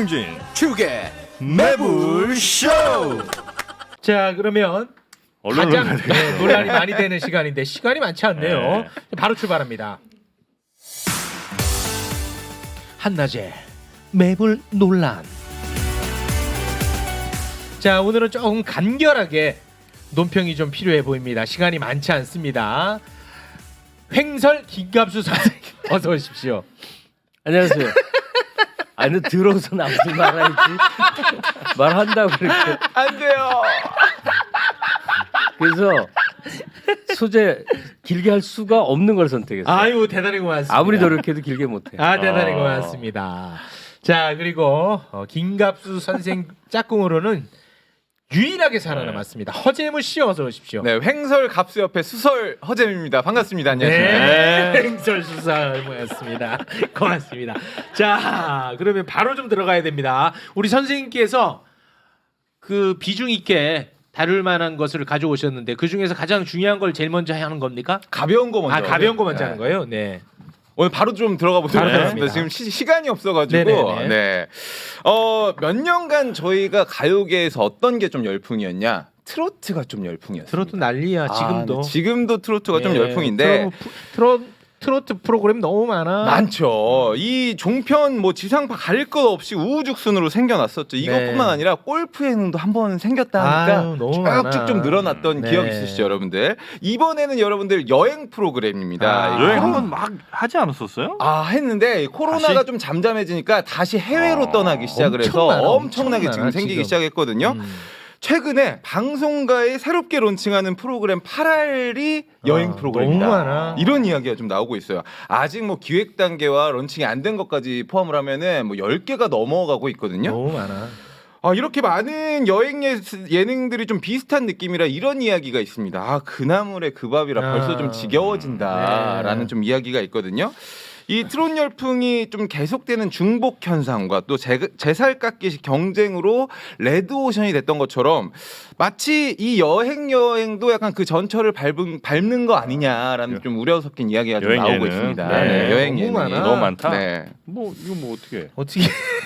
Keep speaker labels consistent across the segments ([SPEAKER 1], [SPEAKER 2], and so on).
[SPEAKER 1] 김진
[SPEAKER 2] 축의 매불쇼.
[SPEAKER 3] 자, 그러면
[SPEAKER 1] 언론으로
[SPEAKER 3] 가장 논란이 많이 되는 시간인데 시간이 많지 않네요.
[SPEAKER 1] 네.
[SPEAKER 3] 바로 출발합니다. 한낮에 매불 논란. 자, 오늘은 조금 간결하게 논평이 좀 필요해 보입니다. 시간이 많지 않습니다. 횡설 김갑수 선생님 어서 오십시오.
[SPEAKER 4] 안녕하세요. 아니 들어서 나오지 말아야지. 말한다고 그렇게.
[SPEAKER 2] 안 돼요.
[SPEAKER 4] 그래서 소재 길게 할 수가 없는 걸 선택했어요.
[SPEAKER 3] 아유, 대단히 고맙습니다.
[SPEAKER 4] 아무리 노력해도 길게 못해.
[SPEAKER 3] 아, 대단히 고맙습니다. 자, 그리고 김갑수 선생 짝꿍으로는 유일하게 살아남았습니다. 허재무 씨 어서 오십시오.
[SPEAKER 2] 네, 횡설 갑수 옆에 수설 허잼입니다. 반갑습니다. 안녕하십니까.
[SPEAKER 3] 네, 행설 수사 모였습니다. 고맙습니다. 자, 그러면 바로 좀 들어가야 됩니다. 우리 선생님께서 그 비중 있게 다룰 만한 것을 가져오셨는데 그 중에서 가장 중요한 걸 제일 먼저 하는 겁니까?
[SPEAKER 2] 가벼운 거 먼저.
[SPEAKER 3] 아, 가벼운 거 먼저
[SPEAKER 2] 네.
[SPEAKER 3] 하는 거예요? 네.
[SPEAKER 2] 오늘 바로 좀 들어가 보도록
[SPEAKER 3] 바로
[SPEAKER 2] 하겠습니다.
[SPEAKER 3] 들어갑니다.
[SPEAKER 2] 지금 시간이 없어가지고.
[SPEAKER 3] 네네네.
[SPEAKER 2] 네. 몇 년간 저희가 가요계에서 어떤 게 좀 열풍이었냐? 트로트가 좀 열풍이었어요.
[SPEAKER 3] 트로트 난리야 지금도.
[SPEAKER 2] 지금도 트로트가 좀
[SPEAKER 3] 네,
[SPEAKER 2] 열풍인데.
[SPEAKER 3] 트로트 프로그램 너무 많아.
[SPEAKER 2] 많죠. 이 종편 뭐 지상파 가릴 것 없이 우후죽순으로 생겨났었죠. 이것뿐만
[SPEAKER 3] 네.
[SPEAKER 2] 아니라 골프 예능도 한번 생겼다 하니까
[SPEAKER 3] 아유, 너무 많아.
[SPEAKER 2] 쭉쭉 좀 늘어났던
[SPEAKER 3] 네.
[SPEAKER 2] 기억 있으시죠, 여러분들? 이번에는 여러분들 여행 프로그램입니다.
[SPEAKER 3] 아,
[SPEAKER 1] 여행 한번 막 하지 않았었어요?
[SPEAKER 2] 했는데 코로나가
[SPEAKER 1] 다시?
[SPEAKER 2] 좀 잠잠해지니까 다시 해외로 떠나기 시작을 해서
[SPEAKER 3] 엄청 많아,
[SPEAKER 2] 엄청나게
[SPEAKER 3] 엄청
[SPEAKER 2] 지금
[SPEAKER 3] 많아,
[SPEAKER 2] 생기기
[SPEAKER 3] 지금.
[SPEAKER 2] 시작했거든요. 최근에 방송가에 새롭게 론칭하는 프로그램 8알이 여행 프로그램이다.
[SPEAKER 3] 너무 많아.
[SPEAKER 2] 이런 이야기가 좀 나오고 있어요. 아직 뭐 기획 단계와 론칭이 안 된 것까지 포함을 하면은 뭐 10개가 넘어가고 있거든요.
[SPEAKER 3] 너무 많아.
[SPEAKER 2] 이렇게 많은 여행 예능들이 좀 비슷한 느낌이라 이런 이야기가 있습니다. 그나물의 그 밥이라 벌써 좀 지겨워진다라는
[SPEAKER 3] 네.
[SPEAKER 2] 좀 이야기가 있거든요. 이 트롯 열풍이 좀 계속되는 중복 현상과 또 제살 깎기식 경쟁으로 레드오션이 됐던 것처럼 마치 이 여행도 약간 그 전철을 밟는 거 아니냐라는 좀 우려 섞인 이야기가 좀
[SPEAKER 1] 여행
[SPEAKER 2] 나오고
[SPEAKER 1] 예능.
[SPEAKER 2] 있습니다.
[SPEAKER 3] 네.
[SPEAKER 2] 네, 여행
[SPEAKER 3] 너무
[SPEAKER 2] 예능이
[SPEAKER 3] 많아.
[SPEAKER 1] 너무 많다.
[SPEAKER 2] 네.
[SPEAKER 1] 뭐 이거 뭐 어떻게 해?
[SPEAKER 3] 어떻게?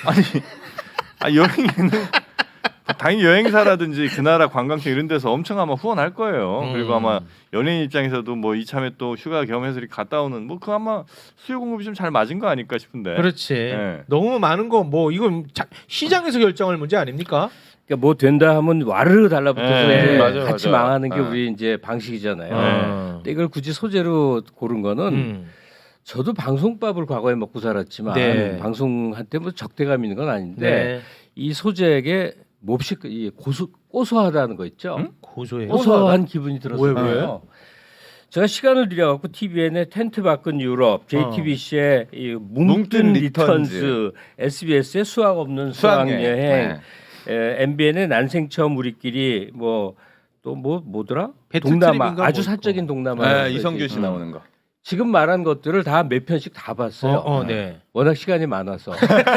[SPEAKER 1] 여행에는 당연히 여행사라든지 그 나라 관광청 이런 데서 엄청 아마 후원할 거예요. 그리고 아마 연예인 입장에서도 뭐 이참에 또 휴가 겸해서 이렇게 갔다 오는 뭐 그 아마 수요 공급이 좀 잘 맞은 거 아닐까 싶은데.
[SPEAKER 3] 그렇지.
[SPEAKER 1] 네.
[SPEAKER 3] 너무 많은 거 뭐 이건 시장에서 결정할 문제 아닙니까?
[SPEAKER 4] 그러니까 뭐 된다 하면 와르르 달라붙어서
[SPEAKER 1] 네,
[SPEAKER 4] 이제
[SPEAKER 2] 맞아,
[SPEAKER 4] 같이
[SPEAKER 2] 맞아.
[SPEAKER 4] 망하는 게
[SPEAKER 2] 네.
[SPEAKER 4] 우리 이제 방식이잖아요.
[SPEAKER 3] 어.
[SPEAKER 4] 근데 이걸 굳이 소재로 고른 거는
[SPEAKER 3] 음.
[SPEAKER 4] 저도 방송밥을 과거에 먹고 살았지만
[SPEAKER 3] 네.
[SPEAKER 4] 방송한테 뭐 적대감 있는 건 아닌데
[SPEAKER 3] 네.
[SPEAKER 4] 이 소재에게 몹시 이 고소하다는 거 있죠.
[SPEAKER 3] 고소해요.
[SPEAKER 4] 고소한 기분이 들었어요.
[SPEAKER 3] 왜?
[SPEAKER 4] 제가 시간을 들여갖고 TVN의 텐트 밖은 유럽, JTBC의 이 뭉뜬 리턴즈, SBS의 수학 없는 수학여행, MBN의 난생 처음 우리끼리 뭐 또 뭐더라? 동남아
[SPEAKER 3] 배틀트립인가
[SPEAKER 4] 아주
[SPEAKER 3] 뭐
[SPEAKER 4] 사적인 동남아.
[SPEAKER 2] 네, 이성균 씨 나오는 거.
[SPEAKER 4] 지금 말한 것들을 다 몇 편씩 다 봤어요.
[SPEAKER 3] 네.
[SPEAKER 4] 워낙 시간이 많아서.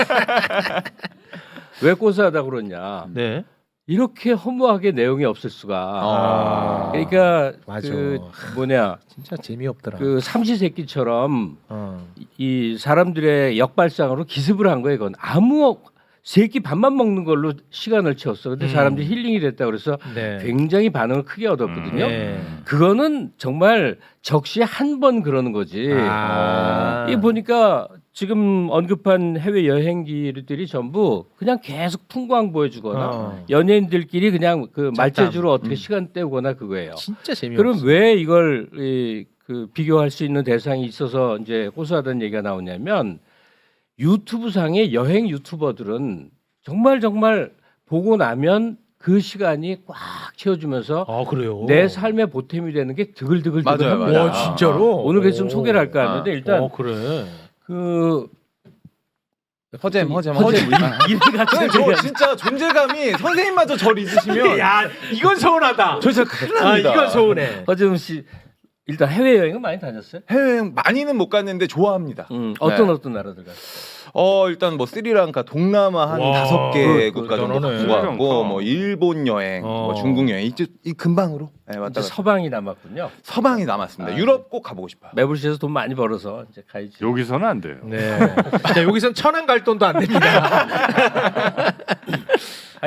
[SPEAKER 4] 왜 고소하다 그러냐?
[SPEAKER 3] 네.
[SPEAKER 4] 이렇게 허무하게 내용이 없을 수가. 그러니까
[SPEAKER 3] 맞아.
[SPEAKER 4] 그 뭐냐
[SPEAKER 3] 진짜 재미없더라.
[SPEAKER 4] 그 삼시세끼처럼
[SPEAKER 3] 어.
[SPEAKER 4] 이 사람들의 역발상으로 기습을 한 거예요. 이건 아무 세끼 밥만 먹는 걸로 시간을 채웠어. 근데 사람들이 힐링이 됐다 그래서
[SPEAKER 3] 네.
[SPEAKER 4] 굉장히 반응을 크게 얻었거든요.
[SPEAKER 3] 네.
[SPEAKER 4] 그거는 정말 적시에 한 번 그러는 거지. 이 보니까 지금 언급한 해외 여행기들이 전부 그냥 계속 풍광 보여주거나 연예인들끼리 그냥 그 말재주로 어떻게 시간 때우거나 그거예요.
[SPEAKER 3] 진짜 재미없어.
[SPEAKER 4] 그럼 왜 이걸 그 비교할 수 있는 대상이 있어서 이제 고소하다는 얘기가 나오냐면 유튜브 상의 여행 유튜버들은 정말 보고 나면 그 시간이 꽉 채워주면서
[SPEAKER 3] 그래요.
[SPEAKER 4] 내 삶의 보탬이 되는 게 드글드글
[SPEAKER 2] 맞아요,
[SPEAKER 4] 합니다.
[SPEAKER 2] 맞아요.
[SPEAKER 3] 와, 진짜로?
[SPEAKER 4] 오늘 그래서 좀 소개를 할까 하는데 일단
[SPEAKER 3] 그래.
[SPEAKER 4] 그
[SPEAKER 2] 허잼.
[SPEAKER 4] 이름 같은
[SPEAKER 2] 저 진짜 존재감이 선생님마저 저를 잊으시면
[SPEAKER 3] 야, 이건 서운하다.
[SPEAKER 2] 저 진짜 큰일 납니다.
[SPEAKER 3] 이건 서운해.
[SPEAKER 4] 허재훈 씨 일단 해외 여행은 많이 다녔어요?
[SPEAKER 2] 해외여행 많이는 못 갔는데 좋아합니다.
[SPEAKER 4] 어떤 나라들 갔어요?
[SPEAKER 2] 일단 뭐 스리랑카, 동남아 한
[SPEAKER 3] 와,
[SPEAKER 2] 5개 국가 정도
[SPEAKER 3] 대단하네.
[SPEAKER 2] 갖고 갔고
[SPEAKER 1] 스리랑카.
[SPEAKER 2] 뭐 일본 여행, 뭐 중국 여행 이 금방으로 왔다
[SPEAKER 4] 이제
[SPEAKER 2] 갔다.
[SPEAKER 4] 서방이 남았군요.
[SPEAKER 2] 서방이 남았습니다. 유럽 꼭 가보고 싶어요.
[SPEAKER 4] 매불시에서 돈 많이 벌어서 이제 가야지.
[SPEAKER 1] 여기서는 안 돼요.
[SPEAKER 3] 네. 자, 여기선 천안 갈 돈도 안 됩니다.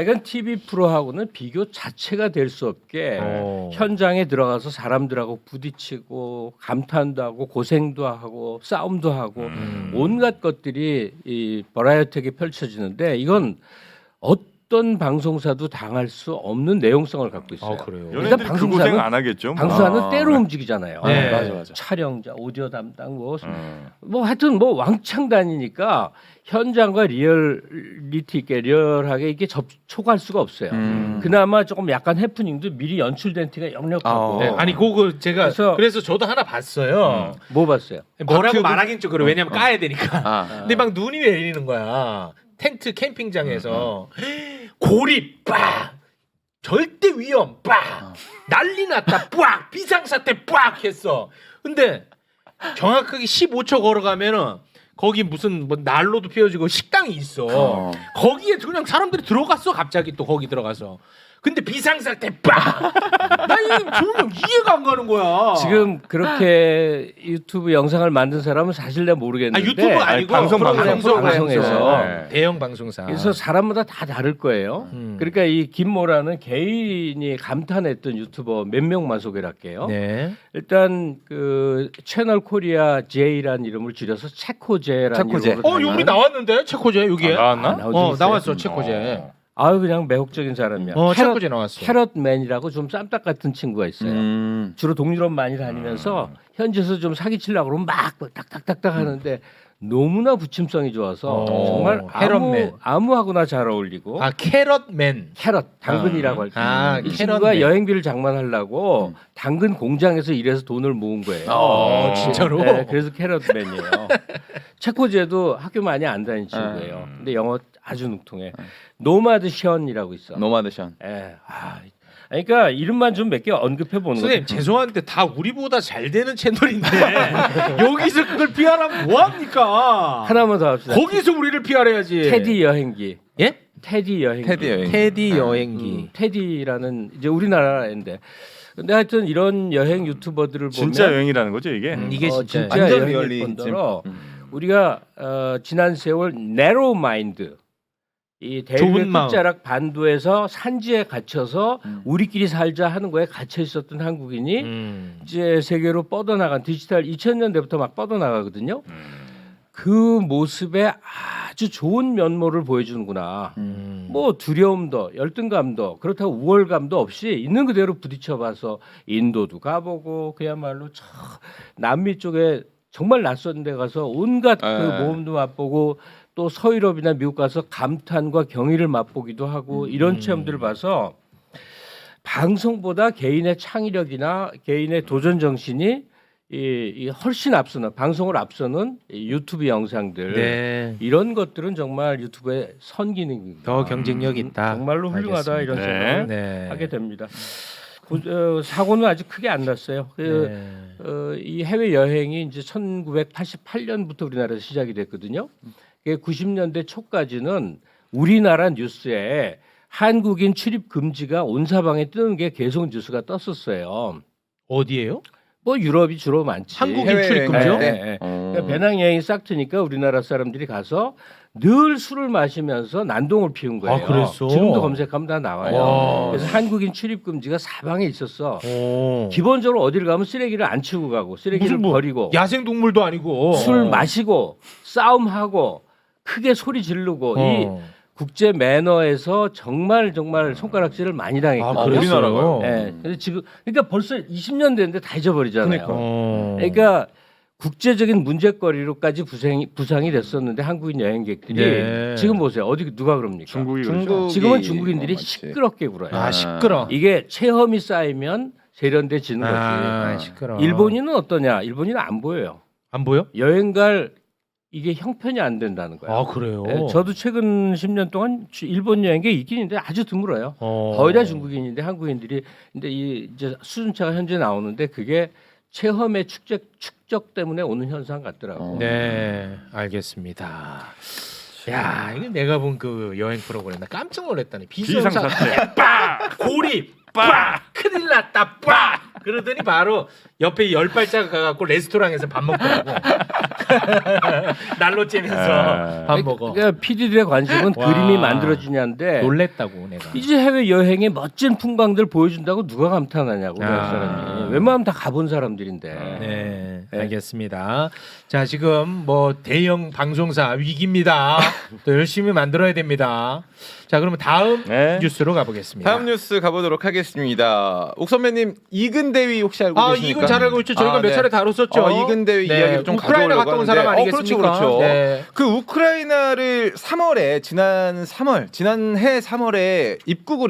[SPEAKER 4] 하여간 TV 프로하고는 비교 자체가 될 수 없게 현장에 들어가서 사람들하고 부딪히고 감탄도 하고 고생도 하고 싸움도 하고 온갖 것들이 이 버라이어티하게 펼쳐지는데 이건 어떤 방송사도 당할 수 없는 내용성을 갖고 있어요.
[SPEAKER 3] 그래요.
[SPEAKER 1] 연예인들이 그 고생 안 하겠죠. 뭐.
[SPEAKER 4] 방송사는 때로 움직이잖아요.
[SPEAKER 3] 네.
[SPEAKER 2] 맞아.
[SPEAKER 4] 촬영자, 오디오 담당 뭐 하여튼 뭐 왕창 다니니까 현장과 리얼리티 있게 리얼하게 이렇게 접촉할 수가 없어요. 그나마 조금 약간 해프닝도 미리 연출된 티가 역력하고.
[SPEAKER 3] 네, 아니 그거 제가
[SPEAKER 4] 그래서-
[SPEAKER 3] 그래서 저도 하나 봤어요.
[SPEAKER 4] 뭐 봤어요?
[SPEAKER 3] 뭐라고 말하긴 좀 그래. 왜냐면 까야 되니까.
[SPEAKER 2] 아.
[SPEAKER 3] 근데 막 눈이 내리는 거야. 텐트 캠핑장에서 고리 빡 절대 위험 빡 난리 났다 빡 비상사태 빡 했어. 근데 정확하게 15초 걸어가면은 거기 무슨 뭐 난로도 피워지고 식당이 있어. 거기에 그냥 사람들이 들어갔어. 갑자기 또 거기 들어가서. 근데 비상사태 빡. 나 이게 정말 이해가 안 가는 거야.
[SPEAKER 4] 지금 그렇게 유튜브 영상을 만든 사람은 사실 내가 모르겠는데
[SPEAKER 3] 유튜브 아니고
[SPEAKER 1] 방송,
[SPEAKER 4] 방송에서.
[SPEAKER 1] 네.
[SPEAKER 3] 대형 방송사.
[SPEAKER 4] 그래서 사람마다 다 다를 거예요. 그러니까 이 김모라는 개인이 감탄했던 유튜버 몇 명만 소개를 할게요.
[SPEAKER 3] 네.
[SPEAKER 4] 일단 그 채널 코리아 J라는 이름을 줄여서 체코제라는
[SPEAKER 2] 체코제.
[SPEAKER 4] 이름으로
[SPEAKER 3] 여기 나왔는데 체코제 여기에.
[SPEAKER 1] 나왔나?
[SPEAKER 4] 나온 적 있어요?
[SPEAKER 3] 나왔어 체코제.
[SPEAKER 4] 아유 그냥 매혹적인 사람이야.
[SPEAKER 3] 체코제 나왔어.
[SPEAKER 4] 캐럿맨이라고 좀 쌈딱 같은 친구가 있어요. 주로 동유럽 많이 다니면서 현지에서 좀 사기치려고 그러면 막 딱딱딱딱 하는데 너무나 부침성이 좋아서 정말
[SPEAKER 3] 캐럿맨.
[SPEAKER 4] 아무하고나 잘 어울리고
[SPEAKER 3] 캐럿맨.
[SPEAKER 4] 캐럿 당근이라고 할 때. 이 친구가
[SPEAKER 3] 캐럿맨.
[SPEAKER 4] 여행비를 장만하려고 당근 공장에서 일해서 돈을 모은 거예요.
[SPEAKER 3] 진짜로?
[SPEAKER 4] 네, 그래서 캐럿맨이에요. 체코제도 학교 많이 안 다니는 친구예요. 근데 영어 아주 능통해. 노마드 션이라고 있어.
[SPEAKER 2] 노마드션.
[SPEAKER 4] 예. 그러니까 이름만 좀 몇 개 언급해 보는 거죠.
[SPEAKER 3] 선생님 죄송한데 다 우리보다 잘 되는 채널인데 여기서 그걸 피하라면 뭐 합니까?
[SPEAKER 4] 하나만 더 합시다.
[SPEAKER 3] 거기서 우리를 피하래야지.
[SPEAKER 4] 테디 여행기.
[SPEAKER 3] 예?
[SPEAKER 4] 테디 여행기.
[SPEAKER 2] 테디 여행.
[SPEAKER 3] 테디 여행기.
[SPEAKER 4] 테디라는 이제 우리나라인데. 근데 하여튼 이런 여행 유튜버들을 보면
[SPEAKER 1] 진짜 여행이라는 거죠 이게.
[SPEAKER 3] 이게 진짜
[SPEAKER 4] 진짜
[SPEAKER 2] 완전
[SPEAKER 4] 여행일
[SPEAKER 2] 리얼리즘.
[SPEAKER 4] 뿐더러 우리가 지난 세월 네로 마인드 이
[SPEAKER 3] 좁은
[SPEAKER 4] 대륙의
[SPEAKER 3] 마음.
[SPEAKER 4] 끝자락 반도에서 산지에 갇혀서 우리끼리 살자 하는 거에 갇혀 있었던 한국인이 이제 세계로 뻗어나간 디지털 2000년대부터 막 뻗어나가거든요. 그 모습에 아주 좋은 면모를 보여주는구나. 뭐 두려움도 열등감도 그렇다고 우월감도 없이 있는 그대로 부딪혀봐서 인도도 가보고 그야말로 저 남미 쪽에 정말 낯선 데 가서 온갖 그 모험도 맛보고 또 서유럽이나 미국 가서 감탄과 경의를 맛보기도 하고 이런 체험들을 봐서 방송보다 개인의 창의력이나 개인의 도전 정신이 이 훨씬 앞서는 방송을 앞서는 이 유튜브 영상들
[SPEAKER 3] 네.
[SPEAKER 4] 이런 것들은 정말 유튜브의 선기능입니다.
[SPEAKER 3] 더 경쟁력 있다.
[SPEAKER 4] 정말로 훌륭하다
[SPEAKER 3] 알겠습니다.
[SPEAKER 4] 이런
[SPEAKER 1] 네.
[SPEAKER 4] 생각을
[SPEAKER 3] 네.
[SPEAKER 4] 하게 됩니다. 사고는 아직 크게 안 났어요. 이 해외 여행이 이제 1988년부터 우리나라에서 시작이 됐거든요. 90년대 초까지는 우리나라 뉴스에 한국인 출입 금지가 온 사방에 뜨는 게 계속 뉴스가 떴었어요.
[SPEAKER 3] 어디예요?
[SPEAKER 4] 뭐 유럽이 주로 많지.
[SPEAKER 3] 한국인
[SPEAKER 2] 해외
[SPEAKER 3] 출입 금지요?
[SPEAKER 2] 여행 갈 때?
[SPEAKER 4] 네, 네. 그러니까 배낭 여행이 싹 트니까 우리나라 사람들이 가서 늘 술을 마시면서 난동을 피운 거예요.
[SPEAKER 3] 아, 그랬어?
[SPEAKER 4] 지금도 검색하면 다 나와요.
[SPEAKER 3] 와.
[SPEAKER 4] 그래서 한국인 출입 금지가 사방에 있었어.
[SPEAKER 3] 오.
[SPEAKER 4] 기본적으로 어디를 가면 쓰레기를 안 치우고 가고 쓰레기를
[SPEAKER 3] 무슨 뭐
[SPEAKER 4] 버리고
[SPEAKER 3] 야생 동물도 아니고
[SPEAKER 4] 술 마시고 싸움하고 크게 소리 지르고 이 국제 매너에서 정말 손가락질을 많이 당했거든요.
[SPEAKER 3] 아, 그랬어요?
[SPEAKER 4] 네. 근데 지금 그러니까 벌써 20년 됐는데 다 잊어버리잖아요.
[SPEAKER 3] 그러니까.
[SPEAKER 4] 국제적인 문제거리로까지 부상이 됐었는데 한국인 여행객들이
[SPEAKER 3] 네.
[SPEAKER 4] 지금 보세요. 어디 누가 그럽니까?
[SPEAKER 1] 중국이
[SPEAKER 2] 중국.
[SPEAKER 1] 그렇죠.
[SPEAKER 4] 지금은 중국인들이
[SPEAKER 2] 맞지.
[SPEAKER 4] 시끄럽게 굴어요.
[SPEAKER 3] 아 시끄러.
[SPEAKER 4] 이게 체험이 쌓이면 세련돼지는 거지.
[SPEAKER 3] 아 시끄러.
[SPEAKER 4] 일본인은 어떠냐? 일본인은 안 보여요.
[SPEAKER 3] 안 보여?
[SPEAKER 4] 여행 갈 이게 형편이 안 된다는 거예요.
[SPEAKER 3] 아 그래요.
[SPEAKER 4] 네, 저도 최근 10년 동안 일본 여행객 있긴 있는데 아주 드물어요. 거의 다 중국인인데 한국인들이 근데 이 이제 수준차가 현재 나오는데 그게 체험의 축적 때문에 오는 현상 같더라고.
[SPEAKER 3] 네, 알겠습니다. 야, 이게 내가 본 그 여행 프로그램 나 깜짝 놀랐다니. 비상사태
[SPEAKER 1] 비상사태.
[SPEAKER 3] 빡! 고리 빡! 큰일 났다 빡! 그러더니 바로 옆에 10발짝 가갖고 레스토랑에서 밥 먹더라고. 날로 째면서 밥 먹어.
[SPEAKER 4] 그러니까 PD들의 관심은
[SPEAKER 3] 와.
[SPEAKER 4] 그림이 만들어지냐인데
[SPEAKER 3] 놀랬다고 내가.
[SPEAKER 4] 이제 해외 여행의 멋진 풍광들 보여준다고 누가 감탄하냐고 그
[SPEAKER 3] 아.
[SPEAKER 4] 사람이. 웬만하면 다 가본 사람들인데.
[SPEAKER 3] 네, 알겠습니다. 자, 지금 뭐 대형 방송사 위기입니다. 또 열심히 만들어야 됩니다. 자, 그러면 다음
[SPEAKER 1] 네.
[SPEAKER 3] 뉴스로 가보겠습니다.
[SPEAKER 2] 다음 뉴스 가보도록 하겠습니다. 옥 선배님 이근대위 혹시 알고 계십니까?
[SPEAKER 3] 이건 잘 알고 있죠. 저희가 몇
[SPEAKER 2] 네.
[SPEAKER 3] 차례 다뤘었죠.
[SPEAKER 2] 이근대위 이야기를 좀
[SPEAKER 3] 우크라이나 갔다 온 사람 아니겠습니까?
[SPEAKER 2] 그렇죠.
[SPEAKER 3] 네.
[SPEAKER 2] 그 우크라이나를 3월에 지난해 3월에 입국을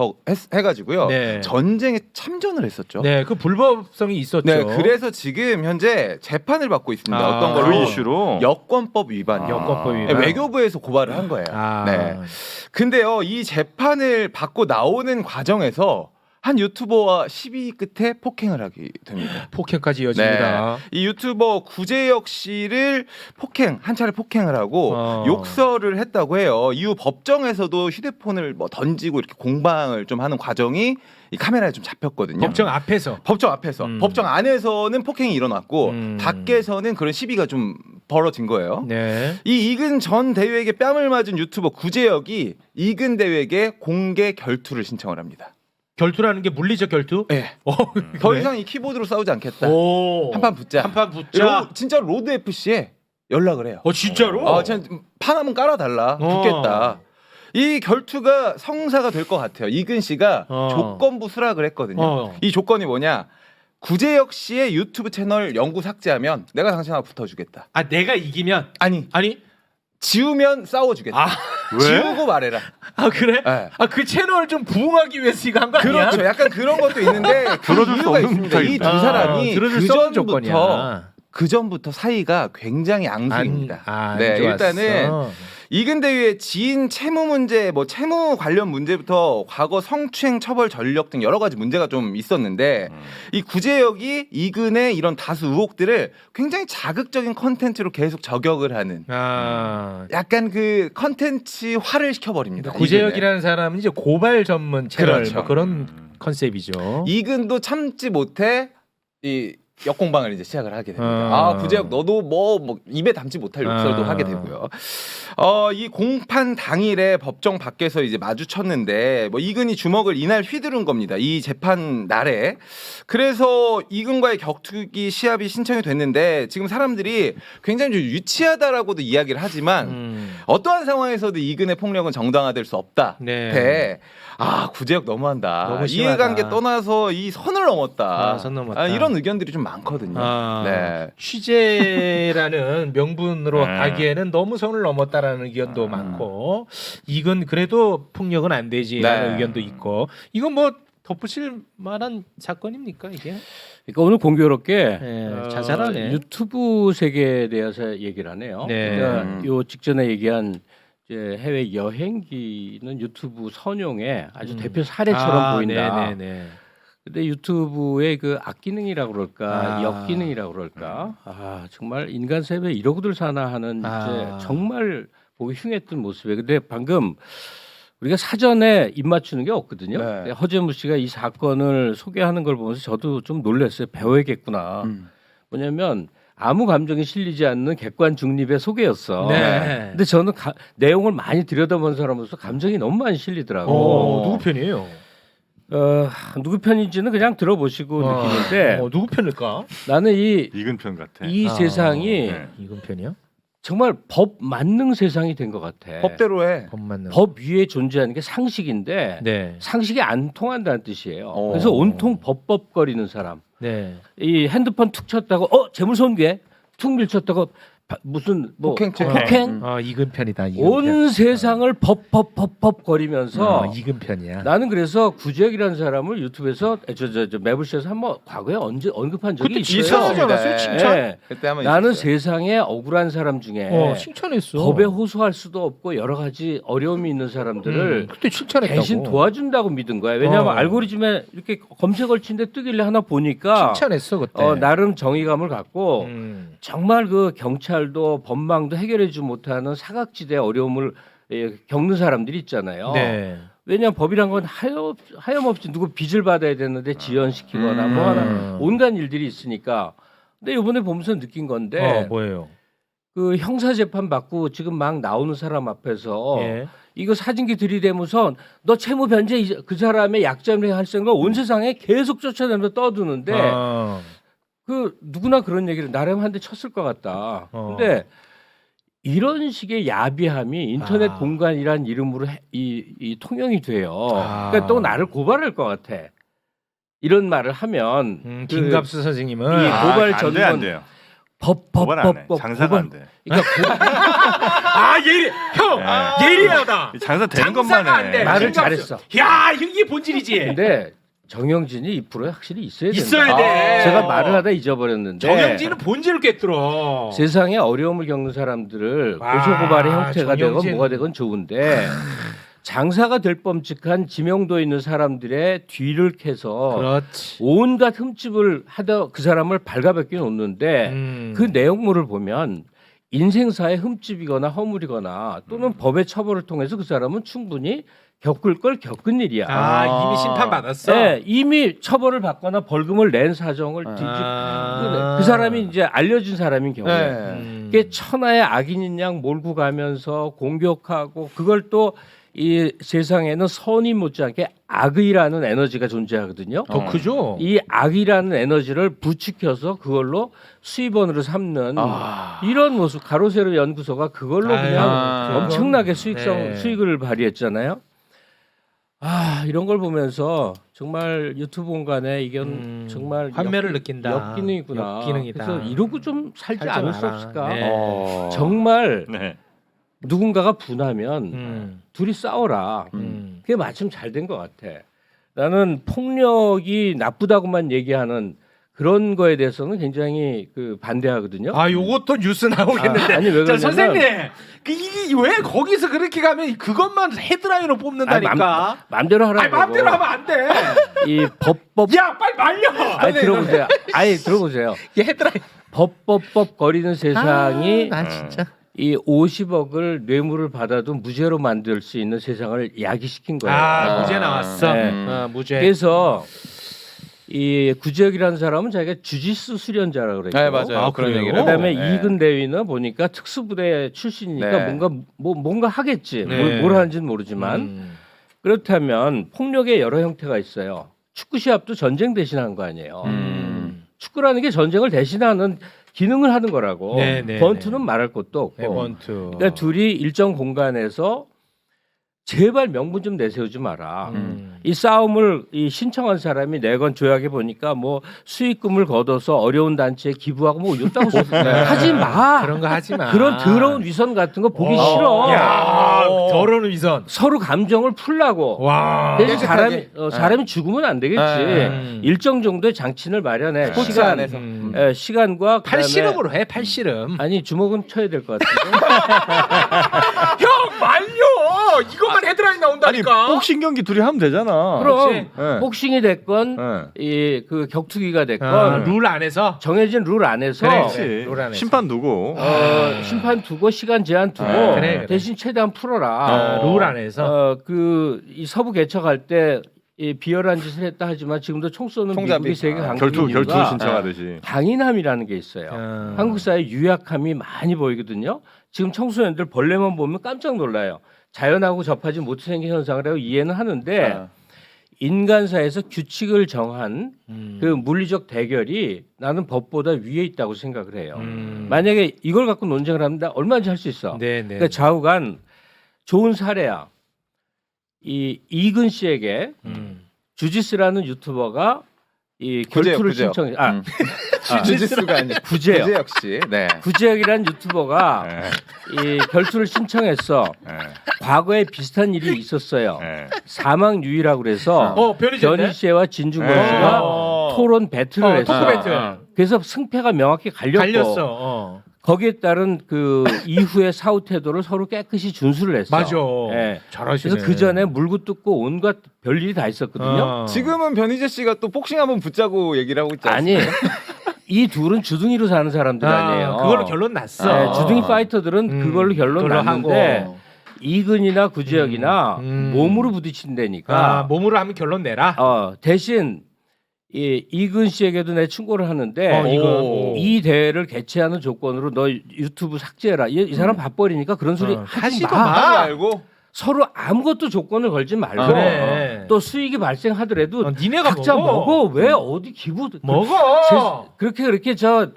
[SPEAKER 2] 해가지고요.
[SPEAKER 3] 네.
[SPEAKER 2] 전쟁에 참전을 했었죠.
[SPEAKER 3] 네, 그 불법성이 있었죠.
[SPEAKER 2] 네, 그래서 지금 현재 재판을 받고 있습니다.
[SPEAKER 3] 아.
[SPEAKER 2] 어떤
[SPEAKER 1] 그
[SPEAKER 2] 걸로?
[SPEAKER 1] 이슈로
[SPEAKER 2] 여권법 위반.
[SPEAKER 3] 여권법
[SPEAKER 2] 네,
[SPEAKER 3] 위반.
[SPEAKER 2] 외교부에서 고발을 한 거예요.
[SPEAKER 3] 아.
[SPEAKER 2] 네. 근데요, 이 재판을 받고 나오는 과정에서 한 유튜버와 시비 끝에 폭행을 하게 됩니다.
[SPEAKER 3] 폭행까지 이어집니다.
[SPEAKER 2] 이 유튜버 구재혁 씨를 한 차례 폭행을 하고 욕설을 했다고 해요. 이후 법정에서도 휴대폰을 뭐 던지고 이렇게 공방을 좀 하는 과정이 이 카메라에 좀 잡혔거든요.
[SPEAKER 3] 법정 앞에서.
[SPEAKER 2] 법정 앞에서. 법정 안에서는 폭행이 일어났고
[SPEAKER 3] 음.
[SPEAKER 2] 밖에서는 그런 시비가 좀 벌어진 거예요.
[SPEAKER 3] 네.
[SPEAKER 2] 이 이근 전 대위에게 뺨을 맞은 유튜버 구재혁이 이근 대위에게 공개 결투를 신청을 합니다.
[SPEAKER 3] 결투라는 게 물리적 결투?
[SPEAKER 2] 네. 더 이상 이 키보드로 싸우지 않겠다.
[SPEAKER 3] 오.
[SPEAKER 2] 한판 붙자.
[SPEAKER 3] 한판 붙자.
[SPEAKER 2] 진짜 로드 FC에 연락을 해요.
[SPEAKER 3] 진짜로?
[SPEAKER 2] 진짜 판 한번 깔아달라. 붙겠다. 이 결투가 성사가 될 것 같아요. 이근 씨가 조건부 수락을 했거든요. 이 조건이 뭐냐? 구재혁 씨의 유튜브 채널 영구 삭제하면 내가 당신하고 붙어주겠다.
[SPEAKER 3] 아, 내가 이기면
[SPEAKER 2] 아니
[SPEAKER 3] 아니?
[SPEAKER 2] 지우면 싸워주겠다.
[SPEAKER 3] 아,
[SPEAKER 1] 왜?
[SPEAKER 2] 지우고 말해라.
[SPEAKER 3] 아 그래?
[SPEAKER 2] 네.
[SPEAKER 3] 아, 그 채널 좀 부흥하기 위해서 이거 한 거 아니야?
[SPEAKER 2] 그렇죠. 약간 그런 것도 있는데 그
[SPEAKER 1] 들어줄 수
[SPEAKER 2] 이유가
[SPEAKER 1] 없는
[SPEAKER 2] 있습니다. 이 두
[SPEAKER 1] 부탁입니다.
[SPEAKER 2] 사람이
[SPEAKER 3] 들어줄 수 없는 조건이야.
[SPEAKER 2] 그 전부터 사이가 굉장히 앙숙입니다.
[SPEAKER 3] 안
[SPEAKER 2] 네,
[SPEAKER 3] 좋았어.
[SPEAKER 2] 일단은 이근 대위의 지인 채무 문제, 뭐 채무 관련 문제부터 과거 성추행 처벌 전력 등 여러 가지 문제가 좀 있었는데 이 구재혁이 이근의 이런 다수 의혹들을 굉장히 자극적인 컨텐츠로 계속 저격을 하는 약간 그 컨텐츠화를 시켜버립니다.
[SPEAKER 3] 구재혁이라는 사람은 이제 고발 전문 채널
[SPEAKER 2] 그렇죠.
[SPEAKER 3] 뭐 그런 컨셉이죠.
[SPEAKER 2] 이근도 참지 못해 이 역공방을 이제 시작을 하게 됩니다.
[SPEAKER 3] 아.
[SPEAKER 2] 구재혁 너도 뭐 입에 담지 못할 욕설도 하게 되고요. 이 공판 당일에 법정 밖에서 이제 마주쳤는데 뭐 이근이 주먹을 이날 휘두른 겁니다. 이 재판 날에. 그래서 이근과의 격투기 시합이 신청이 됐는데 지금 사람들이 굉장히 좀 유치하다라고도 이야기를 하지만 어떠한 상황에서도 이근의 폭력은 정당화될 수 없다.
[SPEAKER 3] 네.
[SPEAKER 2] 구재혁 너무한다.
[SPEAKER 3] 너무 심하다.
[SPEAKER 2] 이해관계 떠나서 이 선을 넘었다.
[SPEAKER 3] 선 넘었다.
[SPEAKER 2] 이런 의견들이 좀 많거든요. 네.
[SPEAKER 3] 취재라는 명분으로
[SPEAKER 1] 네.
[SPEAKER 3] 하기에는 너무 선을 넘었다라는 의견도 많고, 이건 그래도 폭력은 안 되지라는
[SPEAKER 2] 네.
[SPEAKER 3] 의견도 있고, 이건 뭐 덧붙일 만한 사건입니까 이게?
[SPEAKER 4] 그러니까 오늘 공교롭게
[SPEAKER 3] 네, 자잘하네.
[SPEAKER 4] 유튜브 세계에 대해서 얘기를 하네요.
[SPEAKER 3] 네.
[SPEAKER 4] 그러니까 요 직전에 얘기한 이제 해외 여행기는 유튜브 선용의 아주 대표 사례처럼 보인다.
[SPEAKER 3] 네네네.
[SPEAKER 4] 근데 유튜브의 그 악기능이라고 그럴까,
[SPEAKER 3] 아.
[SPEAKER 4] 역기능이라고 그럴까, 정말 인간 세계 이러고들 사나 하는 이제 정말 보기 흉했던 모습이에요. 근데 방금 우리가 사전에 입 맞추는 게 없거든요.
[SPEAKER 2] 네.
[SPEAKER 4] 근데 허재무 씨가 이 사건을 소개하는 걸 보면서 저도 좀 놀랐어요. 배워야겠구나. 뭐냐면 아무 감정이 실리지 않는 객관 중립의 소개였어.
[SPEAKER 3] 네.
[SPEAKER 4] 근데 저는 내용을 많이 들여다본 사람으로서 감정이 너무 많이 실리더라고.
[SPEAKER 3] 누구 편이에요?
[SPEAKER 4] 누구 편인지는 그냥 들어보시고 느끼는데
[SPEAKER 3] 누구 편일까?
[SPEAKER 4] 나는
[SPEAKER 1] 이근 편 같아.
[SPEAKER 4] 이 세상이
[SPEAKER 1] 네.
[SPEAKER 3] 이건 편이요?
[SPEAKER 4] 정말 법 만능 세상이 된 것 같아.
[SPEAKER 2] 법대로 해.
[SPEAKER 3] 법 맞는.
[SPEAKER 4] 법 위에 존재하는 게 상식인데
[SPEAKER 3] 네.
[SPEAKER 4] 상식이 안 통한다는 뜻이에요. 그래서 온통 법법거리는 사람.
[SPEAKER 3] 네.
[SPEAKER 4] 이 핸드폰 툭 쳤다고 재물손괴 툭 밀쳤다고 무슨 뭐
[SPEAKER 2] 폭행.
[SPEAKER 3] 이근 편이다.
[SPEAKER 4] 온 세상을 법 거리면서
[SPEAKER 3] 이근 편이야.
[SPEAKER 4] 나는 그래서 구재혁이라는 사람을 유튜브에서 저 매불쇼에서 한번 과거에 언제 언급한 적이 있어요.
[SPEAKER 3] 칭찬하지 않았어요? 칭찬?
[SPEAKER 4] 네.
[SPEAKER 2] 그때 한번
[SPEAKER 4] 나는
[SPEAKER 2] 있었어요.
[SPEAKER 4] 세상에 억울한 사람 중에
[SPEAKER 3] 칭찬했어.
[SPEAKER 4] 법에 호소할 수도 없고 여러 가지 어려움이 있는 사람들을
[SPEAKER 3] 그때 칭찬했다고.
[SPEAKER 4] 대신 도와준다고 믿은 거야. 왜냐하면 알고리즘에 이렇게 검색을 치는데 뜨길래 하나 보니까
[SPEAKER 3] 칭찬했어 그때.
[SPEAKER 4] 나름 정의감을 갖고 정말 그 경찰도 법망도 해결해주지 못하는 사각지대 어려움을 겪는 사람들이 있잖아요.
[SPEAKER 3] 네.
[SPEAKER 4] 왜냐하면 법이란 건 하염없이 누구 빚을 받아야 되는데 지연시키거나 뭐 하나 온갖 일들이 있으니까. 근데 이번에 보면서 느낀 건데
[SPEAKER 3] 뭐예요?
[SPEAKER 4] 그 형사 재판 받고 지금 막 나오는 사람 앞에서
[SPEAKER 3] 예.
[SPEAKER 4] 이거 사진기 들이대면서 너 채무 변제 그 사람의 약점을 할 생각 온 세상에 계속 쫓아내면서 떠드는데 그 누구나 그런 얘기를 나름 한 대 쳤을 것 같다. 근데 이런 식의 야비함이 인터넷 공간이란 이름으로 이 통용이 돼요. 그러니까 또 나를 고발할 것 같아. 이런 말을 하면
[SPEAKER 3] 김갑수 선생님은
[SPEAKER 4] 이 고발
[SPEAKER 1] 안
[SPEAKER 4] 전문
[SPEAKER 1] 돼요.
[SPEAKER 4] 법
[SPEAKER 1] 고발 안 해. 장사가 안 돼.
[SPEAKER 4] 그러니까
[SPEAKER 3] 예리 형 예리하다.
[SPEAKER 1] 장사 되는 것만
[SPEAKER 3] 안 돼.
[SPEAKER 1] 해.
[SPEAKER 4] 말을
[SPEAKER 3] 김갑수.
[SPEAKER 4] 잘했어.
[SPEAKER 3] 야 이게 본질이지.
[SPEAKER 4] 근데 정영진이 이 프로에 확실히 있어야 된다.
[SPEAKER 3] 있어야 돼.
[SPEAKER 4] 제가 말을 하다 잊어버렸는데
[SPEAKER 3] 정영진은 본질을 꿰뚫어.
[SPEAKER 4] 세상에 어려움을 겪는 사람들을
[SPEAKER 3] 와,
[SPEAKER 4] 고소고발의 형태가 되건
[SPEAKER 3] 정영진.
[SPEAKER 4] 뭐가 되건 좋은데 장사가 될 뻔직한 지명도 있는 사람들의 뒤를 캐서
[SPEAKER 3] 그렇지.
[SPEAKER 4] 온갖 흠집을 하다 그 사람을 발가벗겨 놓는데 그 내용물을 보면 인생사의 흠집이거나 허물이거나 또는 법의 처벌을 통해서 그 사람은 충분히 겪을 걸 겪은 일이야.
[SPEAKER 3] 이미 심판 받았어.
[SPEAKER 4] 네, 이미 처벌을 받거나 벌금을 낸 사정을 그 사람이 이제 알려준 사람인 경우에 그게 천하의 악인인 양 몰고 가면서 공격하고 그걸 또 이 세상에는 선이 못지않게 악의라는 에너지가 존재하거든요.
[SPEAKER 3] 더 크죠.
[SPEAKER 4] 이 악이라는 에너지를 부추겨서 그걸로 수입원으로 삼는 이런 모습 가로세로 연구소가 그걸로 그냥 엄청나게 수익을 발휘했잖아요. 이런 걸 보면서 정말 유튜브 공간에 이건 정말
[SPEAKER 3] 환멸을 느낀다.
[SPEAKER 4] 역기능이구나.
[SPEAKER 3] 역기능이다.
[SPEAKER 4] 그래서 이러고 좀 살지 않을 수 없을까?
[SPEAKER 3] 네.
[SPEAKER 4] 정말
[SPEAKER 1] 네.
[SPEAKER 4] 누군가가 분하면 둘이 싸워라. 그게 마침 잘 된 것 같아. 나는 폭력이 나쁘다고만 얘기하는 그런 거에 대해서는 굉장히 그 반대하거든요.
[SPEAKER 3] 요것도 뉴스 나오겠는데.
[SPEAKER 4] 아니, 왜 그러냐면-
[SPEAKER 3] 선생님, 이게 왜 거기서 그렇게 가면 그것만 헤드라인으로 뽑는다니까.
[SPEAKER 4] 마음대로 하라고.
[SPEAKER 3] 마음대로 하면 안 돼.
[SPEAKER 4] 이 법법.
[SPEAKER 3] 야, 빨리 말려.
[SPEAKER 4] 들어보세요. 들어보세요.
[SPEAKER 3] 이게 헤드라인.
[SPEAKER 4] 법법법 거리는 세상이
[SPEAKER 3] 나 진짜.
[SPEAKER 4] 이 50억을 뇌물을 받아도 무죄로 만들 수 있는 세상을 야기시킨 거예요.
[SPEAKER 3] 무죄 나왔어.
[SPEAKER 4] 네.
[SPEAKER 3] 무죄.
[SPEAKER 4] 그래서 이 구지혁이라는 사람은 자기가 주짓수 수련자라고 그랬고,
[SPEAKER 2] 네, 맞아요. 그런
[SPEAKER 3] 그래요?
[SPEAKER 2] 얘기를.
[SPEAKER 4] 그다음에
[SPEAKER 2] 네.
[SPEAKER 4] 이근 대위는 보니까 특수부대 출신이니까
[SPEAKER 2] 네.
[SPEAKER 4] 뭔가 하겠지.
[SPEAKER 3] 네.
[SPEAKER 4] 뭘 하는지는 모르지만 그렇다면 폭력의 여러 형태가 있어요. 축구 시합도 전쟁 대신한 거 아니에요. 축구라는 게 전쟁을 대신하는 기능을 하는 거라고.
[SPEAKER 3] 네, 네,
[SPEAKER 4] 번투는 말할 것도 없고.
[SPEAKER 3] 번투.
[SPEAKER 4] 그러니까 둘이 일정 공간에서 제발 명분 좀 내세우지 마라. 이 싸움을 이 신청한 사람이 내건 조약에 보니까 뭐 수익금을 걷어서 어려운 단체에 기부하고 뭐 이렇다고 하지 마.
[SPEAKER 3] 그런 거 하지 마.
[SPEAKER 4] 그런 더러운 위선 같은 거 보기 싫어.
[SPEAKER 3] 야, 더러운 위선.
[SPEAKER 4] 서로 감정을 풀라고.
[SPEAKER 3] 와.
[SPEAKER 4] 대신
[SPEAKER 2] 깨끗하게.
[SPEAKER 4] 사람이 죽으면 안 되겠지. 일정 정도의 장치를 마련해.
[SPEAKER 2] 스포츠 안에서.
[SPEAKER 4] 시간과 그다음에
[SPEAKER 3] 팔씨름으로 해. 팔씨름.
[SPEAKER 4] 아니 주먹은 쳐야 될 것 같은데.
[SPEAKER 3] 형 말려. 이것만 헤드라인
[SPEAKER 1] 아니
[SPEAKER 3] 나온다니까.
[SPEAKER 1] 복싱 경기 둘이 하면 되잖아.
[SPEAKER 4] 그럼
[SPEAKER 1] 네.
[SPEAKER 4] 복싱이 됐건
[SPEAKER 1] 네.
[SPEAKER 4] 이 그 격투기가 됐건
[SPEAKER 3] 룰 안에서.
[SPEAKER 4] 정해진 룰 안에서
[SPEAKER 1] 그렇지.
[SPEAKER 3] 룰 안에서.
[SPEAKER 1] 심판 두고.
[SPEAKER 4] 심판 두고 시간 제한 두고
[SPEAKER 3] 그래.
[SPEAKER 4] 대신 최대한 풀어라.
[SPEAKER 3] 룰 안에서.
[SPEAKER 4] 그 이 서부 개척할 때 이 비열한 짓을 했다 하지만 지금도 총 쏘는
[SPEAKER 2] 총잡이.
[SPEAKER 4] 미국이 세계
[SPEAKER 1] 결투
[SPEAKER 4] 강국인 이유가
[SPEAKER 1] 신청하듯이.
[SPEAKER 4] 강인함이라는 게 있어요. 한국 사회 유약함이 많이 보이거든요. 지금 청소년들 벌레만 보면 깜짝 놀라요. 자연하고 접하지 못해 생긴 현상이라고 이해는 하는데 인간사에서 규칙을 정한 그 물리적 대결이 나는 법보다 위에 있다고 생각을 해요. 만약에 이걸 갖고 논쟁을 하면 나 얼마든지 할 수 있어.
[SPEAKER 3] 네, 네.
[SPEAKER 4] 그러니까 좌우간 좋은 사례야. 이 이근 씨에게 주지스라는 유튜버가 이 결투를
[SPEAKER 2] 구제역.
[SPEAKER 4] 신청.
[SPEAKER 2] 주짓수가 아니라
[SPEAKER 4] 구제역.
[SPEAKER 2] 구제 역시. 네.
[SPEAKER 4] 구제혁이라는 유튜버가 이 결투를 신청했어. 과거에 비슷한 일이 있었어요. 사망 유의라고 그래서
[SPEAKER 3] 변희재
[SPEAKER 4] 변희 씨와 진중권 씨가 토론 배틀을 했어.
[SPEAKER 3] 토크 배틀.
[SPEAKER 4] 그래서 승패가 명확히 갈렸고
[SPEAKER 3] 갈렸어.
[SPEAKER 4] 거기에 따른 그 이후의 사후 태도를 서로 깨끗이 준수를 했어.
[SPEAKER 3] 맞아.
[SPEAKER 4] 예.
[SPEAKER 3] 잘하시네.
[SPEAKER 4] 그래서 그 전에 물고 뜯고 온갖 별일이 다 있었거든요.
[SPEAKER 2] 지금은 변희재 씨가 또 복싱 한번 붙자고 얘기를 하고 있지
[SPEAKER 4] 아니
[SPEAKER 2] 않습니까?
[SPEAKER 4] 이 둘은 주둥이로 사는 사람들 아니에요.
[SPEAKER 3] 그걸로 결론 났어.
[SPEAKER 4] 주둥이 파이터들은 그걸로 결론
[SPEAKER 3] 그걸로
[SPEAKER 4] 났는데
[SPEAKER 3] 하고.
[SPEAKER 4] 이근이나 구지혁이나 몸으로 부딪힌다니까.
[SPEAKER 3] 몸으로 하면 결론 내라.
[SPEAKER 4] 대신 이근 씨에게도 내 충고를 하는데
[SPEAKER 3] 이거.
[SPEAKER 4] 이 대회를 개최하는 조건으로 너 유튜브 삭제해라. 이 사람 밥벌이니까 그런 소리 하지
[SPEAKER 3] 하지도
[SPEAKER 4] 마.
[SPEAKER 3] 마.
[SPEAKER 2] 알고
[SPEAKER 4] 서로 아무것도 조건을 걸지 말고
[SPEAKER 3] 그래.
[SPEAKER 4] 또 수익이 발생하더라도
[SPEAKER 3] 니네가
[SPEAKER 4] 각자 먹어. 왜 어디 기부
[SPEAKER 3] 먹어.
[SPEAKER 4] 그렇게 저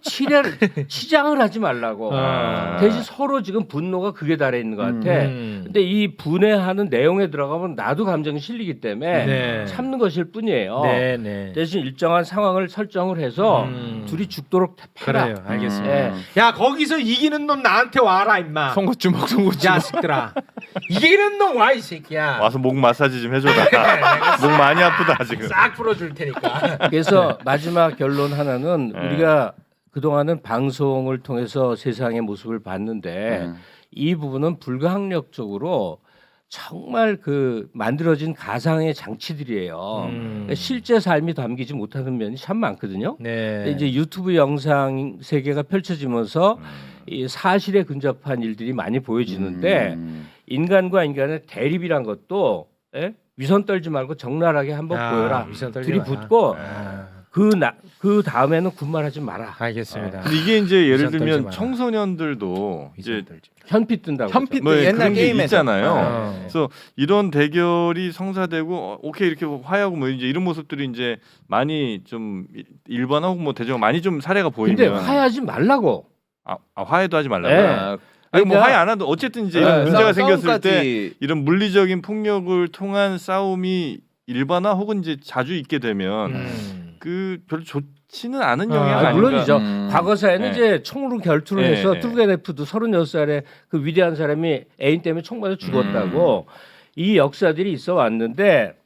[SPEAKER 4] 치장을 하지 말라고. 대신 서로 지금 분노가 극에 달해 있는 것 같아. 근데 이 분해하는 내용에 들어가면 나도 감정이 실리기 때문에
[SPEAKER 3] 네.
[SPEAKER 4] 참는 것일 뿐이에요.
[SPEAKER 3] 네.
[SPEAKER 4] 대신 일정한 상황을 설정을 해서 둘이 죽도록 패라.
[SPEAKER 3] 그래요. 알겠습니다.
[SPEAKER 4] 예.
[SPEAKER 3] 야 거기서 이기는 놈 나한테 와라 임마.
[SPEAKER 2] 송곳주먹
[SPEAKER 3] 자식들아. 이기는 놈 와 이 새끼야.
[SPEAKER 1] 와서 목 마사지 좀 해줘라. 목 많이 아프다 지금.
[SPEAKER 3] 싹 풀어줄 테니까.
[SPEAKER 4] 그래서 마지막 결론 하나는 우리가 그동안은 방송을 통해서 세상의 모습을 봤는데 이 부분은 불가항력적으로 정말 그 만들어진 가상의 장치들이에요. 그러니까 실제 삶이 담기지 못하는 면이 참 많거든요.
[SPEAKER 3] 네.
[SPEAKER 4] 근데 이제 유튜브 영상 세계가 펼쳐지면서 이 사실에 근접한 일들이 많이 보여지는데 인간과 인간의 대립이란 것도 위선 떨지 말고 적나라하게 한번 보여라.
[SPEAKER 3] 위선 떨지
[SPEAKER 4] 둘이
[SPEAKER 3] 마라.
[SPEAKER 4] 붙고 그 다음에는 군말하지 마라.
[SPEAKER 3] 알겠습니다.
[SPEAKER 1] 근데 이게 이제 예를
[SPEAKER 3] 위선 떨지
[SPEAKER 1] 들면
[SPEAKER 3] 마라.
[SPEAKER 1] 청소년들도 이제
[SPEAKER 4] 현피 뜬다고.
[SPEAKER 2] 현피
[SPEAKER 1] 뭐
[SPEAKER 2] 옛날
[SPEAKER 1] 그런 게
[SPEAKER 2] 게임에서
[SPEAKER 1] 있잖아요. 그래서 이런 대결이 성사되고 오케이 이렇게 화해하고 뭐 이제 이런 모습들이 이제 많이 좀 일반하고 뭐 대중 많이 좀 사례가 보이면
[SPEAKER 4] 근데 화해하지 말라고.
[SPEAKER 1] 화해도 하지 말라고.
[SPEAKER 4] 네.
[SPEAKER 1] 아니 뭐
[SPEAKER 4] 그러니까-
[SPEAKER 1] 화해 안 하도 어쨌든 이제 이런 문제가 생겼을 때
[SPEAKER 2] 싸움까지
[SPEAKER 1] 이런 물리적인 폭력을 통한 싸움이 일반화 혹은 이제 자주 있게 되면 그 별로 좋지는 않은 영향 아닌가.
[SPEAKER 4] 물론이죠.
[SPEAKER 2] 음.
[SPEAKER 4] 과거사에는
[SPEAKER 1] 네.
[SPEAKER 4] 이제 총으로 결투를
[SPEAKER 1] 네,
[SPEAKER 4] 해서
[SPEAKER 1] 네.
[SPEAKER 4] 투르게네프도 36살에 그 위대한 사람이 애인 때문에 총 맞아 죽었다고 이 역사들이 있어 왔는데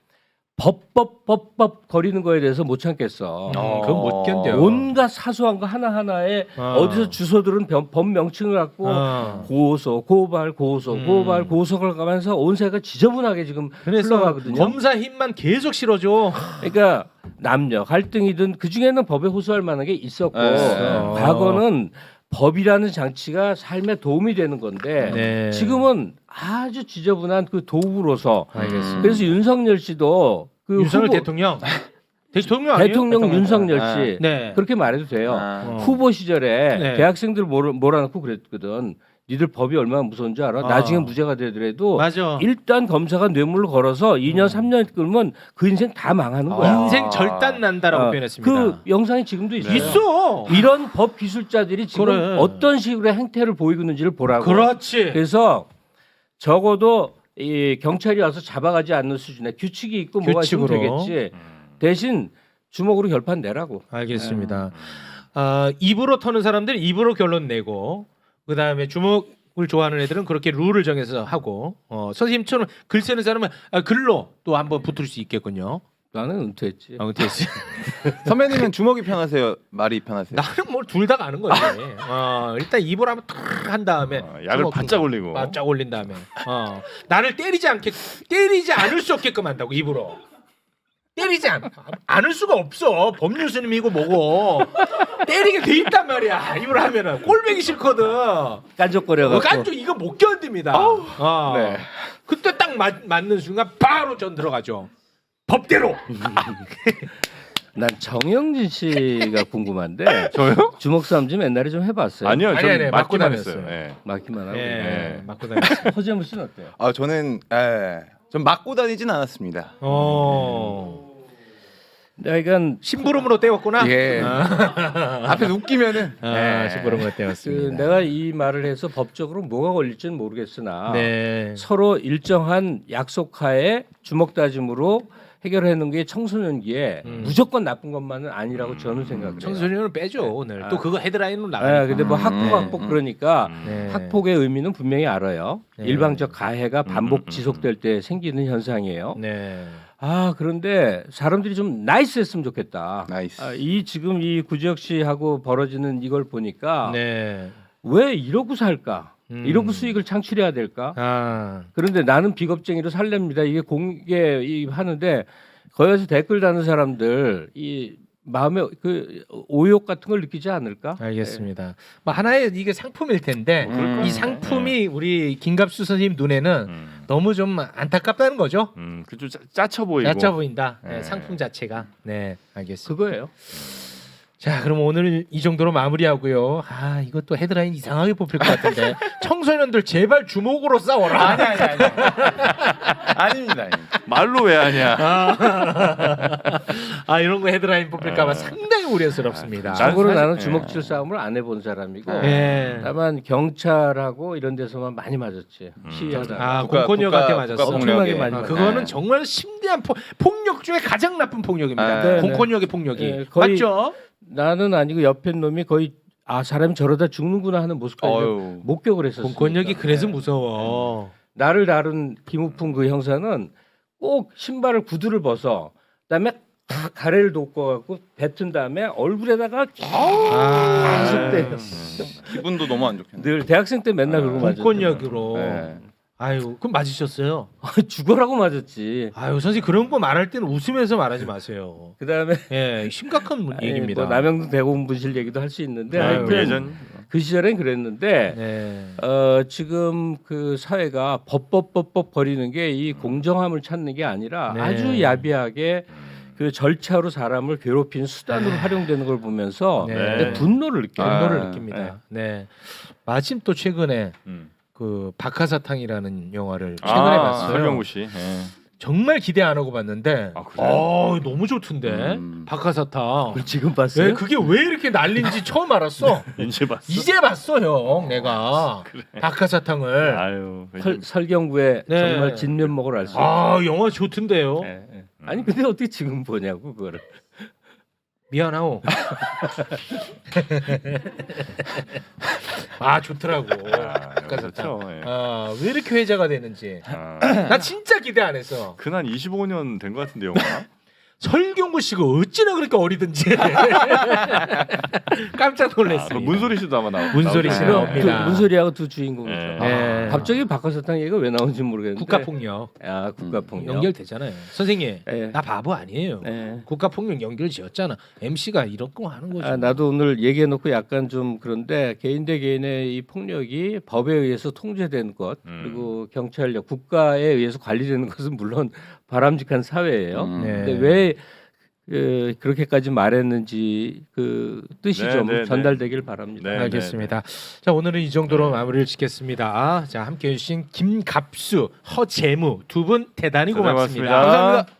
[SPEAKER 4] 법 거리는 거에 대해서 못 참겠어.
[SPEAKER 3] 그건 못 견뎌요.
[SPEAKER 4] 온갖 사소한 거 하나하나에 어디서 주소들은 법 명칭을 갖고 고소, 고발, 고소를 가면서 온 세가 지저분하게 지금
[SPEAKER 3] 그래서
[SPEAKER 4] 흘러가거든요.
[SPEAKER 3] 검사 힘만 계속 실어줘.
[SPEAKER 4] 그러니까 남녀 갈등이든 그 중에는 법에 호소할 만한 게 있었고
[SPEAKER 2] 네.
[SPEAKER 4] 과거는 법이라는 장치가 삶에 도움이 되는 건데
[SPEAKER 3] 네.
[SPEAKER 4] 지금은 아주 지저분한 그 도구로서
[SPEAKER 3] 알겠습니다.
[SPEAKER 4] 그래서 윤석열 씨도 그
[SPEAKER 3] 윤석열
[SPEAKER 4] 후보-
[SPEAKER 3] 대통령. 대통령 아니에요?
[SPEAKER 4] 대통령 윤석열 씨
[SPEAKER 3] 네.
[SPEAKER 4] 그렇게 말해도 돼요.
[SPEAKER 2] 아.
[SPEAKER 4] 후보 시절에
[SPEAKER 3] 네.
[SPEAKER 4] 대학생들 몰아넣고 그랬거든. 니들 법이 얼마나 무서운 줄 알아? 나중에 무죄가 되더라도
[SPEAKER 3] 맞아.
[SPEAKER 4] 일단 검사가 뇌물을 걸어서 2년 3년 끌면 그 인생 다 망하는 거야.
[SPEAKER 3] 인생 절단 난다라고
[SPEAKER 4] 어,
[SPEAKER 3] 표현했습니다.
[SPEAKER 4] 그 영상이 지금도 있어요.
[SPEAKER 3] 있어.
[SPEAKER 4] 이런 법 기술자들이 지금
[SPEAKER 3] 그래.
[SPEAKER 4] 어떤 식으로 행태를 보이고 있는지를 보라고.
[SPEAKER 3] 그렇지.
[SPEAKER 4] 그래서 적어도 이 경찰이 와서 잡아가지 않는 수준의 규칙이 있고 뭐가 있으면
[SPEAKER 3] 규칙으로.
[SPEAKER 4] 되겠지. 대신 주먹으로 결판 내라고.
[SPEAKER 3] 알겠습니다. 입으로 터는 사람들 입으로 결론 내고 그 다음에 주먹을 좋아하는 애들은 그렇게 룰을 정해서 하고 선생님처럼 글 쓰는 사람은 글로 또 한번 붙을 수 있겠군요.
[SPEAKER 4] 나는 은퇴했지.
[SPEAKER 3] 됐지.
[SPEAKER 2] 선배님은 주먹이 편하세요? 말이 편하세요?
[SPEAKER 3] 나는 뭐 둘 다 가는 거지. 일단 입으로 한번 탁 한 다음에
[SPEAKER 1] 약을
[SPEAKER 3] 주먹
[SPEAKER 1] 바짝 올리고.
[SPEAKER 3] 바짝 올린 다음에 나를 때리지 않을 수 없게끔 한다고 입으로. 때리지 않을 수가 없어. 법률 스님이고 뭐고 때리게 돼 있단 말이야. 입으로 하면은 꼴보기 싫거든.
[SPEAKER 4] 깐족거려갖고.
[SPEAKER 3] 깐족 이거 못 견딥니다.
[SPEAKER 4] 네.
[SPEAKER 3] 그때 딱 맞는 순간 바로 전 들어가죠. 법대로.
[SPEAKER 4] 난 정영진 씨가 궁금한데
[SPEAKER 1] 저요?
[SPEAKER 4] 주먹 싸움 좀 옛날에 좀 해봤어요.
[SPEAKER 1] 아니요,
[SPEAKER 3] 아니,
[SPEAKER 1] 저는
[SPEAKER 3] 아니, 맞고
[SPEAKER 1] 맞기만
[SPEAKER 3] 다녔어요.
[SPEAKER 1] 했어요. 예.
[SPEAKER 4] 맞기만 하고.
[SPEAKER 3] 예, 맞고 다녔어요.
[SPEAKER 4] 허재무 씨는 어때요?
[SPEAKER 2] 저는 좀 맞고 다니진 않았습니다.
[SPEAKER 4] 내가
[SPEAKER 3] 심부름으로 때웠구나.
[SPEAKER 2] 예. 앞에서 웃기면은
[SPEAKER 3] 심부름으로
[SPEAKER 4] 그
[SPEAKER 3] 때웠습니다.
[SPEAKER 4] 내가 이 말을 해서 법적으로 뭐가 걸릴지는 모르겠으나
[SPEAKER 3] 네.
[SPEAKER 4] 서로 일정한 약속하에 주먹 다짐으로 해결하는 게 청소년기에 무조건 나쁜 것만은 아니라고 저는 생각해요.
[SPEAKER 3] 청소년을 빼죠 오늘. 또 그거 헤드라인으로 나가니까.
[SPEAKER 4] 근데 뭐 학폭 그러니까
[SPEAKER 3] 네.
[SPEAKER 4] 학폭의 의미는 분명히 알아요.
[SPEAKER 3] 네.
[SPEAKER 4] 일방적 가해가 반복 지속될 때 생기는 현상이에요.
[SPEAKER 3] 네.
[SPEAKER 4] 그런데 사람들이 좀 나이스했으면 좋겠다.
[SPEAKER 2] 나이스.
[SPEAKER 4] 이 지금 이 구지혁 씨하고 벌어지는 이걸 보니까
[SPEAKER 3] 네.
[SPEAKER 4] 왜 이러고 살까? 이러고 수익을 창출해야 될까? 그런데 나는 비겁쟁이로 살랍니다. 이게 공개 하는데 거기서 댓글 다는 사람들 이 마음에 그 오욕 같은 걸 느끼지 않을까?
[SPEAKER 3] 알겠습니다. 뭐 하나의 이게 상품일 텐데
[SPEAKER 1] 그럴
[SPEAKER 3] 이
[SPEAKER 1] 거예요.
[SPEAKER 3] 상품이 우리 김갑수 선생님 눈에는 너무 좀 안타깝다는 거죠.
[SPEAKER 1] 그좀 짜쳐 보이고.
[SPEAKER 3] 얕아 보인다. 네,
[SPEAKER 1] 네.
[SPEAKER 3] 상품 자체가. 네, 알겠습니다.
[SPEAKER 4] 그거예요.
[SPEAKER 3] 자, 그럼 오늘 이 정도로 마무리하고요. 아, 이것도 헤드라인 이상하게 뽑힐 것 같은데. 청소년들 제발 주먹으로 싸워라.
[SPEAKER 2] 아니. 아닙니다.
[SPEAKER 1] 말로 왜 하냐.
[SPEAKER 3] 아, 이런 거 헤드라인 뽑힐까봐
[SPEAKER 1] 아.
[SPEAKER 3] 상당히 우려스럽습니다.
[SPEAKER 4] 참고로
[SPEAKER 1] 사실-
[SPEAKER 4] 나는
[SPEAKER 1] 예.
[SPEAKER 4] 주먹질 싸움을 안 해본 사람이고
[SPEAKER 3] 예.
[SPEAKER 4] 다만 경찰하고 이런 데서만 많이 맞았지. 시위하다.
[SPEAKER 3] 아,
[SPEAKER 2] 국가-
[SPEAKER 3] 공권력한테
[SPEAKER 2] 국가-
[SPEAKER 3] 맞았어.
[SPEAKER 2] 국가
[SPEAKER 4] 엄청나게
[SPEAKER 2] 폭력에.
[SPEAKER 4] 많이
[SPEAKER 3] 아,
[SPEAKER 4] 맞았어.
[SPEAKER 3] 그거는
[SPEAKER 2] 네.
[SPEAKER 3] 정말 심대한 폭력 중에 가장 나쁜 폭력입니다.
[SPEAKER 2] 네,
[SPEAKER 4] 네.
[SPEAKER 3] 공권력의 폭력이.
[SPEAKER 4] 네, 거의-
[SPEAKER 3] 맞죠?
[SPEAKER 4] 나는 아니고 옆에 놈이 거의 아 사람이 저러다 죽는구나 하는 모습까지
[SPEAKER 2] 어휴.
[SPEAKER 4] 목격을 했었어.
[SPEAKER 3] 공권력이 그래서 무서워.
[SPEAKER 4] 나를 다룬 김우풍 그 형사는 꼭 신발을 구두를 벗어 그다음에 다 가래를 돋궈갖고 뱉은 다음에 얼굴에다가 계속
[SPEAKER 3] 아,
[SPEAKER 4] 때려.
[SPEAKER 2] 기분도 너무 안 좋겠네.
[SPEAKER 4] 늘 대학생 때 맨날 그러고 맞았어.
[SPEAKER 3] 공권력으로.
[SPEAKER 2] 네.
[SPEAKER 3] 아유, 그럼 맞으셨어요?
[SPEAKER 4] 죽어라고 맞았지.
[SPEAKER 3] 아유, 선생님 그런 거 말할 때는 웃으면서 말하지 마세요.
[SPEAKER 4] 그다음에
[SPEAKER 3] 예, 심각한 얘기입니다.
[SPEAKER 4] 뭐 남영동 대공분실 얘기도 할 수 있는데
[SPEAKER 3] 아유,
[SPEAKER 4] 하여튼
[SPEAKER 1] 예전
[SPEAKER 4] 그 시절엔 그랬는데
[SPEAKER 3] 네.
[SPEAKER 4] 지금 그 사회가 법법 버리는 게 이 공정함을 찾는 게 아니라
[SPEAKER 3] 네.
[SPEAKER 4] 아주 야비하게 그 절차로 사람을 괴롭히는 수단으로 활용되는 걸 보면서
[SPEAKER 3] 네.
[SPEAKER 4] 내 분노를 느껴요.
[SPEAKER 3] 분노를
[SPEAKER 2] 아,
[SPEAKER 3] 느낍니다. 네. 마침 또 최근에
[SPEAKER 1] 음.
[SPEAKER 3] 그 박하사탕이라는 영화를 최근에 봤어요.
[SPEAKER 1] 설경구 씨. 예.
[SPEAKER 3] 정말 기대 안 하고 봤는데,
[SPEAKER 1] 아, 그래요?
[SPEAKER 3] 너무 좋던데.
[SPEAKER 2] 음.
[SPEAKER 3] 박하사탕.
[SPEAKER 4] 그걸 지금 봤어요?
[SPEAKER 3] 네, 그게 왜 이렇게 난린지 처음 알았어.
[SPEAKER 1] 이제 봤어.
[SPEAKER 3] 이제 봤어, 형. 내가 박하사탕을.
[SPEAKER 1] 아유.
[SPEAKER 4] 설경구의
[SPEAKER 3] 네.
[SPEAKER 4] 정말 진면목을 알 수 있어요.
[SPEAKER 3] 아, 영화 좋던데요.
[SPEAKER 4] 예, 예. 아니 근데 어떻게 지금 보냐고 그거를.
[SPEAKER 3] 미안하오. 아, 좋더라고. 박하사탕.
[SPEAKER 1] 그렇죠. 예.
[SPEAKER 3] 아, 왜 이렇게 회자가 되는지.
[SPEAKER 1] 아,
[SPEAKER 3] 나 진짜 기대 안 했어.
[SPEAKER 1] 근한 25년 된 것 같은데 영화.
[SPEAKER 3] 설경구 씨가 어찌나 그렇게 어리든지 깜짝
[SPEAKER 1] 그
[SPEAKER 3] 놀랐습니다.
[SPEAKER 1] 문소리 씨도 아마 나오고.
[SPEAKER 3] 문소리 씨는
[SPEAKER 1] 나오죠.
[SPEAKER 3] 없니다.
[SPEAKER 4] 그 문소리하고 두 주인공이죠.
[SPEAKER 1] 네.
[SPEAKER 3] 네.
[SPEAKER 4] 갑자기 박하사탕 얘기가 왜 나온지 모르겠는데.
[SPEAKER 3] 국가폭력
[SPEAKER 4] 아 국가폭력.
[SPEAKER 3] 연결되잖아요. 선생님,
[SPEAKER 4] 예.
[SPEAKER 3] 나 바보 아니에요.
[SPEAKER 4] 예.
[SPEAKER 3] 국가폭력 연결 지었잖아. MC가 이런 거 하는 거죠.
[SPEAKER 4] 아, 나도 오늘 얘기해놓고 약간 좀 그런데 개인 대 개인의 이 폭력이 법에 의해서 통제되는 것 그리고 경찰력 국가에 의해서 관리되는 것은 물론 바람직한 사회예요.
[SPEAKER 3] 네.
[SPEAKER 4] 근데 왜 그렇게까지 말했는지 그 뜻이
[SPEAKER 1] 네,
[SPEAKER 4] 좀
[SPEAKER 1] 네, 네.
[SPEAKER 4] 전달되길 바랍니다.
[SPEAKER 1] 네.
[SPEAKER 3] 알겠습니다. 자, 오늘은 이 정도로 마무리를 짓겠습니다. 자, 함께해 주신 김갑수, 허재무 두 분 대단히 고맙습니다.
[SPEAKER 1] 고맙습니다.
[SPEAKER 2] 감사합니다.